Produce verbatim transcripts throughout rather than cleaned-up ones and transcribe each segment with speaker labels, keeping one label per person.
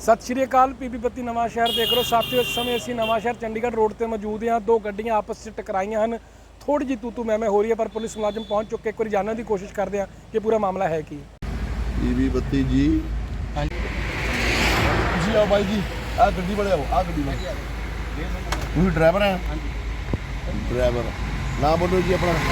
Speaker 1: सत श्री अकाल पीबी बत्ती नवां शहर देख लो साथियों। इस समय असी नवां शहर चंडीगढ़ रोड पर मौजूद हाँ। दो गड्डियां आपस में टकराइयां हैं। थोड़ी जी तू तू मैं मैं हो रही है, पर पुलिस मुलाजिम पहुंच चुके। एक बार जानने की कोशिश करते हैं कि पूरा मामला है कि
Speaker 2: पीबी बत्ती जी। हाँ जी आओ भाई जी, आ गड्डी बड़े आओ, आ गड्डी बड़े तुम ड्राइवर हैं? ड्राइवर नाम बोलो जी अपना।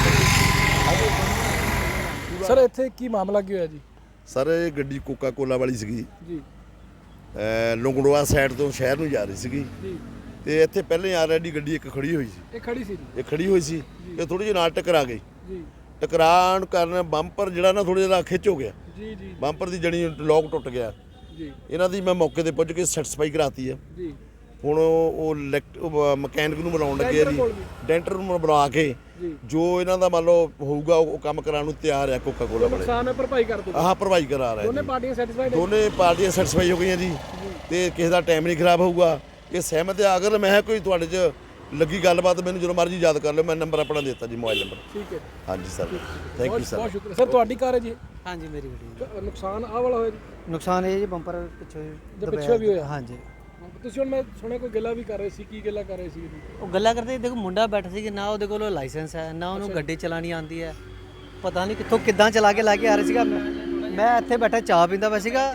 Speaker 1: सर इत्थे की मामला की होया जी?
Speaker 2: सर ये गड्डी कोका कोला वाली सीगी
Speaker 1: जी
Speaker 2: लुंगड़वा साइड तो शहर ਨੂੰ ਜਾ ਰਹੀ ਸੀਗੀ
Speaker 1: ਜੀ
Speaker 2: ਤੇ ਇੱਥੇ ਪਹਿਲੇ ਆਲਰੇਡੀ ਗੱਡੀ ਇੱਕ ਖੜੀ ਹੋਈ ਸੀ।
Speaker 1: ਇਹ ਖੜੀ ਸੀ ਜੀ?
Speaker 2: ਇਹ ਖੜੀ ਹੋਈ ਸੀ ਤੇ ਥੋੜੀ ਜਿਹੀ ਨਾਲ ਟਕਰਾ ਗਈ।
Speaker 1: ਜੀ
Speaker 2: ਟਕਰਾਉਣ ਕਾਰਨ ਬੰਪਰ ਜਿਹੜਾ ਨਾ ਥੋੜਾ ਜਿਹਾ ਖਿੱਚ ਹੋ ਗਿਆ।
Speaker 1: ਜੀ ਜੀ
Speaker 2: ਬੰਪਰ ਦੀ ਜਣੀ ਲੋਕ ਟੁੱਟ ਗਿਆ।
Speaker 1: ਜੀ
Speaker 2: ਇਹਨਾਂ ਦੀ ਮੈਂ ਮੌਕੇ ਤੇ ਪੁੱਜ ਕੇ ਸੈਟੀਸਫਾਈ ਕਰਾਤੀ ਹੈ।
Speaker 1: ਜੀ
Speaker 2: ਹੁਣ ਉਹ ਮਕੈਨਿਕ ਨੂੰ ਬੁਲਾਉਣ ਲੱਗੇ ਜੀ, ਡੈਂਟਰ ਨੂੰ ਬੁਲਾ ਕੇ ਜੋ ਇਹਨਾਂ ਦਾ ਮੰਨ ਲਓ ਹੋਊਗਾ ਉਹ ਕੰਮ ਕਰਾਉਣ ਨੂੰ ਤਿਆਰ ਹੈ। ਕੋਕਾ ਕੋਲਾ ਵਾਲੇ
Speaker 1: ਨੁਕਸਾਨ ਹੈ ਭਰਪਾਈ ਕਰ ਦੋ।
Speaker 2: ਆਹ ਭਰਵਾਈ ਕਰਾ ਰਹੇ
Speaker 1: ਦੋਨੇ ਪਾਰਟੀਆਂ ਸੈਟੀਸਫਾਈਡ ਹੈ?
Speaker 2: ਦੋਨੇ ਪਾਰਟੀਆਂ ਸੈਟੀਸਫਾਈ ਹੋ ਗਈਆਂ ਜੀ ਤੇ ਕਿਸੇ ਦਾ ਟਾਈਮ ਨਹੀਂ ਖਰਾਬ ਹੋਊਗਾ। ਇਹ ਸਹਿਮਤ ਹੈ। ਅਗਰ ਮੈਂ ਕੋਈ ਤੁਹਾਡੇ 'ਚ ਲੱਗੀ ਗੱਲਬਾਤ ਮੈਨੂੰ ਜਦੋਂ ਮਰਜ਼ੀ ਯਾਦ ਕਰ ਲਿਓ। ਮੈਂ ਨੰਬਰ ਆਪਣਾ ਦਿੱਤਾ ਜੀ, ਮੋਬਾਈਲ ਨੰਬਰ।
Speaker 1: ਠੀਕ ਹੈ
Speaker 2: ਹਾਂਜੀ ਸਰ, ਥੈਂਕ ਯੂ ਸਰ।
Speaker 1: ਬਹੁਤ ਸ਼ੁਕਰੀਆ ਸਰ। ਤੁਹਾਡੀ ਕਾਰ ਹੈ ਜੀ?
Speaker 3: हाँ जी मेरी गड्डी।
Speaker 1: ਨੁਕਸਾਨ ਆਹ ਵਾਲਾ ਹੋਇਆ ਜੀ?
Speaker 3: नुकसान है जी बंपर पिछे
Speaker 1: जो पिछे भी होया?
Speaker 3: हाँ जी।
Speaker 1: ਤੁਸੀਂ ਹੁਣ ਮੈਂ ਸੁਣਿਆ ਕੋਈ ਗੱਲਾਂ ਵੀ ਕਰ ਰਹੇ ਸੀ, ਕੀ ਗੱਲਾਂ ਕਰ ਰਹੇ ਸੀ?
Speaker 3: ਉਹ ਗੱਲਾਂ ਕਰਦੇ ਦੇਖੋ ਮੁੰਡਾ ਬੈਠਾ ਸੀ ਕਿ ਨਾ ਉਹਦੇ ਕੋਲ ਲਾਇਸੈਂਸ ਹੈ ਨਾ ਉਹਨੂੰ ਗੱਡੀ ਚਲਾਣੀ ਆਉਂਦੀ ਹੈ। ਪਤਾ ਨਹੀਂ ਕਿੱਥੋਂ ਕਿੱਦਾਂ ਚਲਾ ਕੇ ਲੈ ਕੇ ਆ ਰਿਹਾ ਸੀਗਾ। ਮੈਂ ਇੱਥੇ ਬੈਠਾ ਚਾਹ ਪੀਂਦਾ ਪਿਆ ਸੀਗਾ।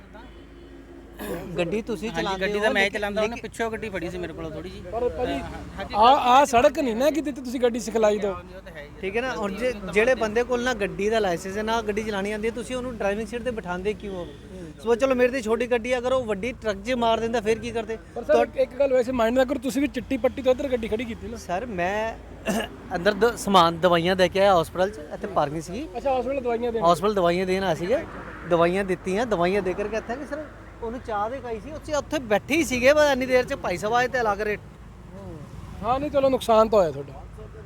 Speaker 3: ਗੱਡੀ ਤੁਸੀਂ ਚਲਾਉਂਦੇ ਹੋ?
Speaker 4: ਗੱਡੀ ਤਾਂ ਮੈਂ ਚਲਾਉਂਦਾ, ਉਹਨੇ ਪਿੱਛੋਂ ਗੱਡੀ ਫੜੀ ਸੀ ਮੇਰੇ ਕੋਲ ਥੋੜੀ ਜੀ।
Speaker 1: ਪਰ ਭਾਜੀ ਆ ਆ ਸੜਕ ਨਹੀਂ ਨਾ ਕਿ ਜਿੱਥੇ ਤੁਸੀਂ ਗੱਡੀ ਸਿਖਲਾਈ ਦਿਓ।
Speaker 3: ਠੀਕ ਹੈ ਨਾ। ਔਰ ਜੇ ਜਿਹੜੇ ਬੰਦੇ ਕੋਲ ਨਾ ਗੱਡੀ ਦਾ ਲਾਇਸੈਂਸ ਹੈ ਨਾ ਗੱਡੀ ਚਲਾਣੀ ਆਉਂਦੀ ਹੈ, ਤੁਸੀਂ ਉਹਨੂੰ ਡਰਾਈਵਿੰਗ ਸੀਟ ਤੇ ਬਿਠਾਉਂਦੇ ਕਿਉਂ ਹੋ? ਸੋ ਚਲੋ ਮੇਰੇ ਤੇ ਛੋਟੀ ਗੱਡੀ ਅਗਰ ਉਹ ਵੱਡੀ ਟਰੱਕ 'ਚ ਮਾਰ ਦਿੰਦਾ ਫਿਰ ਕੀ ਕਰਦੇ?
Speaker 1: ਪਰ ਸਰ ਇੱਕ ਗੱਲ ਵੈਸੇ ਮਾਈਂਡ ਨਾ ਕਰੋ, ਤੁਸੀਂ ਵੀ ਚਿੱਟੀ ਪੱਟੀ ਤੋਂ ਇੱਧਰ ਗੱਡੀ ਖੜੀ ਕੀਤੀ ਨਾ।
Speaker 3: ਸਰ ਮੈਂ ਅੰਦਰ ਦ- ਸਮਾਨ ਦਵਾਈਆਂ ਦੇ ਕੇ ਆਇਆ ਹਸਪਤਾਲ 'ਚ। ਇੱਥੇ ਪਾਰਕਿੰਗ ਸੀਗੀ।
Speaker 1: ਅੱਛਾ ਹਸਪੀਟਲ ਦਵਾਈਆਂ ਦੇਣ?
Speaker 3: ਹਸਪਤਾਲ ਦਵਾਈਆਂ ਦੇਣ ਆ ਸੀਗੇ। ਦਵਾਈਆਂ ਦਿੱਤੀਆਂ, ਦਵਾਈਆਂ ਦੇ ਕਰਕੇ ਇੱਥੇ ਕਿ ਸਰ ਉਹਨੂੰ ਚਾਹ ਦੇ ਖਾਈ ਸੀ। ਉੱਥੇ ਉੱਥੇ ਬੈਠੇ ਹੀ ਸੀਗੇ ਬਸ ਇੰਨੀ ਦੇਰ 'ਚ ਭਾਈ ਸਾਹਿਬ ਆਏ ਤੇ ਅਲੱਗ ਰੇਟ।
Speaker 1: ਹਾਂ ਨਹੀਂ ਚਲੋ ਨੁਕਸਾਨ ਤਾਂ ਹੋਇਆ ਤੁਹਾਡਾ।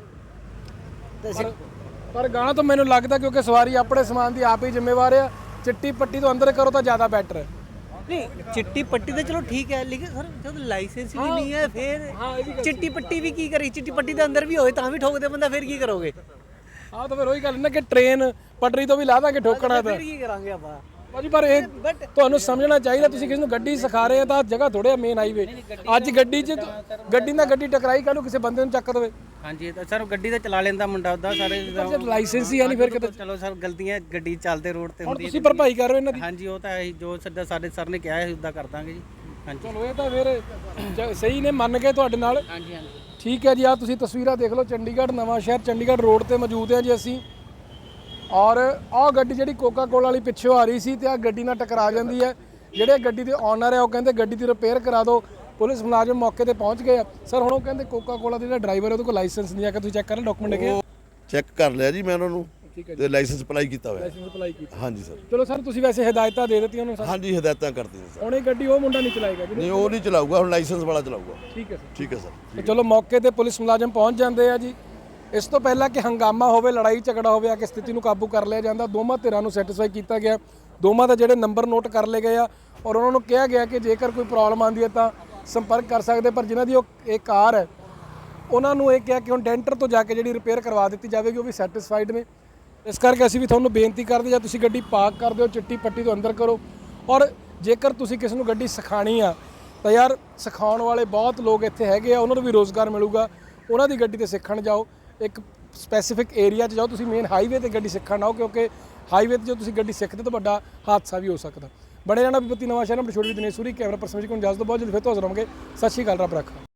Speaker 3: ਤੇ ਅਸੀਂ
Speaker 1: ਪਰ ਗਾਣਾ ਤਾਂ ਮੈਨੂੰ ਲੱਗਦਾ ਕਿਉਂਕਿ ਸਵਾਰੀ ਆਪਣੇ ਸਮਾਨ ਦੀ ਆਪ ਹੀ ਜ਼ਿੰਮੇਵਾਰ ਆ। ਚਿੱਟੀ ਪੱਟੀ ਤੋਂ ਅੰਦਰ ਕਰੋ ਤਾਂ ਜ਼ਿਆਦਾ ਬੈਟਰ ਹੈ।
Speaker 3: ਨਹੀਂ ਚਿੱਟੀ ਪੱਟੀ ਤਾਂ ਚਲੋ ਠੀਕ ਹੈ, ਲੇਕਿਨ ਸਰ ਜਦ ਲਾਇਸੈਂਸ ਵੀ ਨਹੀਂ ਹੈ ਫਿਰ ਚਿੱਟੀ ਪੱਟੀ ਵੀ ਕੀ ਕਰੀ? ਚਿੱਟੀ ਪੱਟੀ ਦੇ ਅੰਦਰ ਵੀ ਹੋਏ ਤਾਂ ਵੀ ਠੋਕਦੇ ਬੰਦਾ, ਫਿਰ ਕੀ ਕਰੋਗੇ?
Speaker 1: ਆਹ ਤਾਂ ਫਿਰ ਉਹੀ ਗੱਲ ਨਾ ਕਿ ਟ੍ਰੇਨ ਪਟਰੀ ਤੋਂ ਵੀ ਲਾ ਦਾਂਗੇ ਠੋਕਣਾ ਤਾਂ।
Speaker 3: ਫਿਰ ਕੀ ਕਰਾਂਗੇ ਆਪਾਂ?
Speaker 1: ਭਾਜੀ ਪਰ ਇਹ ਤੁਹਾਨੂੰ ਸਮਝਣਾ ਚਾਹੀਦਾ, ਤੁਸੀਂ ਕਿਸੇ ਨੂੰ ਗੱਡੀ ਸਿਖਾ ਰਹੇ ਆ ਤਾਂ ਜਗ੍ਹਾ ਥੋੜ੍ਹਾ ਮੇਨ ਹਾਈਵੇ। ਅੱਜ ਗੱਡੀ 'ਚ ਗੱਡੀ ਨਾਲ ਗੱਡੀ ਟਕਰਾਈ, ਕੱਲ੍ਹ ਨੂੰ ਕਿਸੇ ਬੰਦੇ ਨੂੰ ਚੱਕ ਦੇਵੇ।
Speaker 4: ਹਾਂਜੀ ਤਾਂ ਸਰ ਗੱਡੀ ਤਾਂ ਚਲਾ ਲੈਂਦਾ ਮੁੰਡਾ ਉਹਦਾ ਸਾਰੇ।
Speaker 1: ਜਦ ਲਾਇਸੈਂਸ ਹੀ ਹੈ ਨਹੀਂ ਫਿਰ ਕਿਤੇ।
Speaker 4: ਚਲੋ ਸਰ ਗਲਤੀਆਂ ਗੱਡੀ ਚੱਲਦੇ ਰੋਡ ਤੇ
Speaker 1: ਹੁਣ
Speaker 4: ਹੁੰਦੀ
Speaker 1: ਤੁਸੀਂ ਭਰਪਾਈ ਕਰ ਰਹੇ ਹੋ ਇਹਨਾਂ ਦੀ?
Speaker 4: ਹਾਂਜੀ ਉਹ ਤਾਂ ਹੈ ਜੋ ਸੱਦਾ ਸਾਡੇ ਸਰ ਨੇ ਕਿਹਾ ਹੈ ਉਦਾਂ ਕਰ ਦਾਂਗੇ ਜੀ। ਹਾਂਜੀ
Speaker 1: ਚਲੋ ਇਹ ਤਾਂ ਫਿਰ ਜ- ਸਹੀ ਨੇ, ਮੰਨ ਕੇ ਤੁਹਾਡੇ ਨਾਲ।
Speaker 4: ਹਾਂਜੀ ਹਾਂਜੀ
Speaker 1: ਠੀਕ ਹੈ ਜੀ। ਆ ਤੁਸੀਂ ਤਸਵੀਰਾਂ ਦੇਖ ਲਓ, ਚੰਡੀਗੜ੍ਹ ਨਵਾਂ ਸ਼ਹਿਰ ਚੰਡੀਗੜ੍ਹ ਰੋਡ ਤੇ ਮੌਜੂਦ ਹਾਂ ਜੀ ਅਸੀਂ। ਔਰ ਆਹ ਗੱਡੀ ਜਿਹੜੀ ਕੋਕਾ ਕੋਲਾ ਵਾਲੀ ਪਿੱਛੋਂ ਆ ਰਹੀ ਸੀ ਤੇ ਆਹ ਗੱਡੀ ਨਾਲ ਟਕਰਾ ਜਾਂਦੀ ਹੈ। ਜਿਹੜੇ ਗੱਡੀ ਦੇ ਓਨਰ ਹੈ ਉਹ ਕਹਿੰਦੇ ਗੱਡੀ ਦੀ ਰਿਪੇਅਰ ਕਰਾ ਦਿਓ। ਪੁਲਿਸ ਮੁਲਾਜ਼ਮ ਮੌਕੇ ਤੇ ਪਹੁੰਚ ਗਏ ਆ। ਸਰ ਹੁਣ ਉਹ ਕਹਿੰਦੇ ਕੋਕਾ ਕੋਲਾ ਦਾ ਜਿਹੜਾ ਡਰਾਈਵਰ ਹੈ ਉਹਦੇ ਕੋਲ ਲਾਇਸੈਂਸ ਨਹੀਂ ਆ ਕਿ ਤੁਸੀਂ ਚੈੱਕ ਕਰ ਲਓ ਡਾਕੂਮੈਂਟ ਹੈਗੇ।
Speaker 2: ਚੈੱਕ ਕਰ ਲਿਆ ਜੀ ਮੈਂ ਉਹਨਾਂ ਨੂੰ
Speaker 1: ਠੀਕ ਹੈ
Speaker 2: ਤੇ ਲਾਇਸੈਂਸ ਅਪਲਾਈ ਕੀਤਾ ਹੋਇਆ।
Speaker 1: ਲਾਇਸੈਂਸ ਅਪਲਾਈ ਕੀਤਾ?
Speaker 2: ਹਾਂਜੀ ਸਰ।
Speaker 1: ਚਲੋ ਸਰ ਤੁਸੀਂ ਵੈਸੇ ਹਦਾਇਤਾਂ ਦੇ ਦਿੱਤੀਆਂ ਉਹਨੂੰ ਸਰ?
Speaker 2: ਹਾਂਜੀ ਹਦਾਇਤਾਂ ਕਰਤੀਆਂ ਸਰ।
Speaker 1: ਹੁਣ ਇਹ ਗੱਡੀ ਉਹ ਮੁੰਡਾ ਨਹੀਂ ਚਲਾਏਗਾ ਜੀ?
Speaker 2: ਨਹੀਂ ਉਹ ਨਹੀਂ ਚਲਾਊਗਾ, ਹੁਣ ਲਾਇਸੈਂਸ ਵਾਲਾ ਚਲਾਊਗਾ।
Speaker 1: ਠੀਕ ਹੈ ਸਰ।
Speaker 2: ਠੀਕ ਹੈ ਸਰ।
Speaker 1: ਤੇ ਚਲੋ ਮੌਕੇ ਤੇ ਪੁਲਿਸ ਮੁਲਾਜ਼ਮ ਪਹੁੰਚ ਜਾਂਦੇ ਆ ਜੀ। ਇਸ ਤੋਂ ਪਹਿਲਾਂ ਕਿ ਹੰਗਾਮਾ ਹੋਵੇ, ਲੜਾਈ ਝਗੜਾ ਹੋਵੇ, ਆ ਕਿ ਸਥਿਤੀ ਨੂੰ ਕਾਬੂ ਕਰ ਲਿਆ ਜਾਂਦਾ। ਦੋਵਾਂ ਧਿਰਾਂ ਨੂੰ ਸੈਟੀਸਫਾਈ ਕੀਤਾ ਗਿਆ। ਦੋਵਾਂ ਦੇ ਜਿਹੜੇ ਨੰਬਰ ਨੋਟ ਕਰ ਲਏ ਗਏ ਆ ਔਰ ਉਹਨਾਂ ਨੂੰ ਕਿਹਾ ਗਿਆ ਕਿ ਜੇਕਰ ਕੋਈ ਪ੍ਰੋਬਲਮ ਆਉਂਦੀ ਹੈ ਤਾਂ ਸੰਪਰਕ ਕਰ ਸਕਦੇ। ਪਰ ਜਿਨ੍ਹਾਂ ਦੀ ਉਹ ਇਹ ਕਾਰ ਹੈ ਉਹਨਾਂ ਨੂੰ ਇਹ ਕਿਹਾ ਕਿ ਹੁਣ ਡੈਂਟਰ ਤੋਂ ਜਾ ਕੇ ਜਿਹੜੀ ਰਿਪੇਅਰ ਕਰਵਾ ਦਿੱਤੀ ਜਾਵੇਗੀ, ਉਹ ਵੀ ਸੈਟੀਸਫਾਈਡ ਨੇ। ਇਸ ਕਰਕੇ ਅਸੀਂ ਵੀ ਤੁਹਾਨੂੰ ਬੇਨਤੀ ਕਰਦੇ, ਜਾਂ ਤੁਸੀਂ ਗੱਡੀ ਪਾਰਕ ਕਰਦੇ ਹੋ ਚਿੱਟੀ ਪੱਟੀ ਤੋਂ ਅੰਦਰ ਕਰੋ। ਔਰ ਜੇਕਰ ਤੁਸੀਂ ਕਿਸੇ ਨੂੰ ਗੱਡੀ ਸਿਖਾਣੀ ਆ ਤਾਂ ਯਾਰ ਸਿਖਾਉਣ ਵਾਲੇ ਬਹੁਤ ਲੋਕ ਇੱਥੇ ਹੈਗੇ ਆ, ਉਹਨਾਂ ਨੂੰ ਵੀ ਰੋਜ਼ਗਾਰ ਮਿਲੂਗਾ। ਉਹਨਾਂ ਦੀ ਗੱਡੀ ਤੇ ਸਿੱਖਣ ਜਾਓ, ਇੱਕ ਸਪੈਸੀਫਿਕ ਏਰੀਆ 'ਚ ਜਾਓ। ਤੁਸੀਂ ਮੇਨ ਹਾਈਵੇ ਤੇ ਗੱਡੀ ਸਿੱਖਣ ਆਓ, ਕਿਉਂਕਿ ਹਾਈਵੇ ਤੇ ਜੋ ਤੁਸੀਂ ਗੱਡੀ ਸਿੱਖਦੇ ਤਾਂ ਵੱਡਾ ਹਾਦਸਾ ਵੀ ਹੋ ਸਕਦਾ। ਬੜੇ ਰਹਿਣਾ ਪੀਬੀ ਬੱਤੀ ਨਵਾਂ ਸ਼ਹਿਰ, ਨੰਬਰ ਛੋਟੀ ਦਿਨੇਸ਼ ਸੂਰੀ, ਕੈਮਰਾ ਪਰਸਨ ਜੀ ਕੋਲ ਇਜਾਜ਼ਤ ਦਿਓ। ਬਹੁਤ ਜਲਦੀ ਫਿਰ ਤੋਂ ਹਾਜ਼ਰ ਹੋਵਾਂਗੇ। ਸਤਿ ਸ਼੍ਰੀ ਅਕਾਲ, ਰੱਬ ਰੱਖਾ।